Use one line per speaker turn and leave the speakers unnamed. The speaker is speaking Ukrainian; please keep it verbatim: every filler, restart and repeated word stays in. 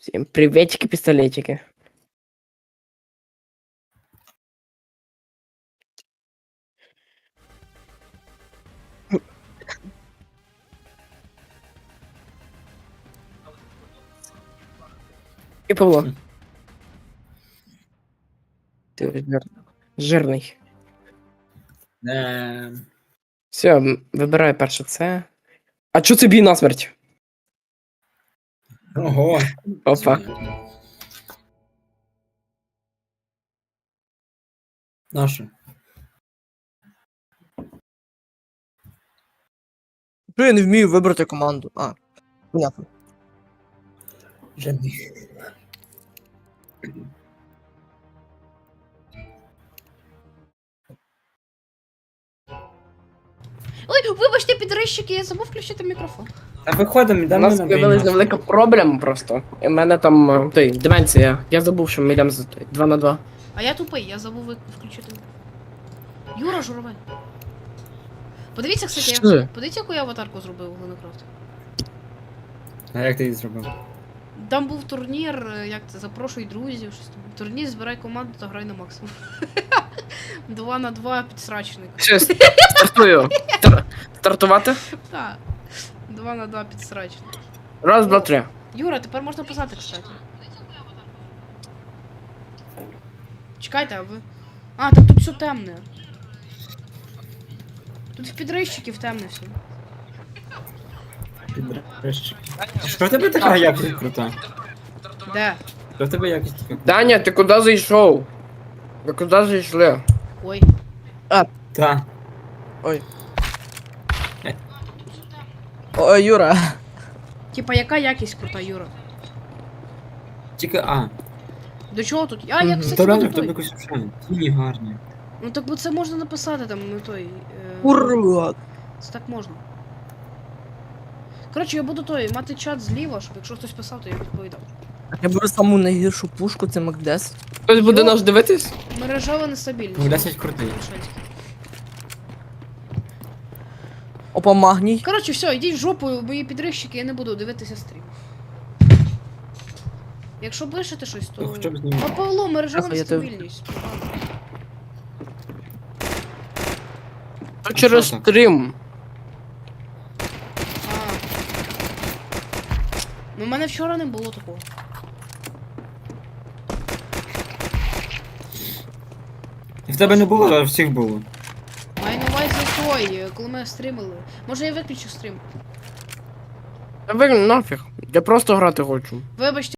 Всем приветики, пистолетики. И Павло. Ты жир... жирний.
Е,
Все, вибираю перше це. А чо це бій насмерть?
Ого.
Опа.
Нашу.
Що я не вмію вибрати команду? А, понятно.
Жадний.
Ой, вибачте, підрищики, я забув включити мікрофон.
Та виходимо,
У
йдемо
нас
на
з'явилася
бій.
невелика проблема просто. І в мене там е, той, деменція. Я забув, що ми йдемо за той, два на два.
А я тупий, я забув ви- включити. Юра Журавель. Подивіться, кстати,
Що?
я... подивіться, яку я аватарку зробив у Гленокрафт.
А як ти її зробив?
Там був турнір, е, як це, запрошуй друзів, щось там. Турнір, збирай команду та грай на максимум. Два на два підсрачник.
Все, стартую. Стар- Стартувати?
Так. Два на два підсрачник.
Раз, два, три.
Юра, тепер можна писати, кстати. Чекайте, а ви. А, так тут все темне. Тут в підрищиків темне все.
Підрещик. Що в тебе така якість крута?
Де?
Що в тебе якість така крута?
Даня, ти куди зайшов? Ви куди зайшли?
Ой.
Та.
О, Юра.
Типа, яка якість крута, Юра?
Тільки А.
До чого тут? А, я,
Мгм.
кстати,
То реально
не
в тебе
той.
якось взагалі. Тіні гарні.
Ну так бо це можна написати там, ну той. Е...
Ура!
Це так можна. Коротше, я буду той, мати чат зліва, щоб якщо хтось писав, то я відповідав.
Я беру саму найгіршу пушку, це Мак десять.
Хтось буде
Йо.
нас дивитись?
Мережева нестабільність.
Ну, десять крутий.
Мішельський.
Опа, магній.
Коротше, все, йдіть в жопу, мої підрищики, я не буду дивитися стрім. Якщо пишете щось, то.
То хоча б знімай.
А Павло, мережева
Ага, я те-
нестабільність.
То через
що так?
стрім.
А. Ну, в мене вчора не було такого.
В тебе не було, а в всіх було.
Маю на увазі той, коли ми стрімили. Може я виключу стрім.
Та ви нафіг. Я просто грати хочу.
Вибачте.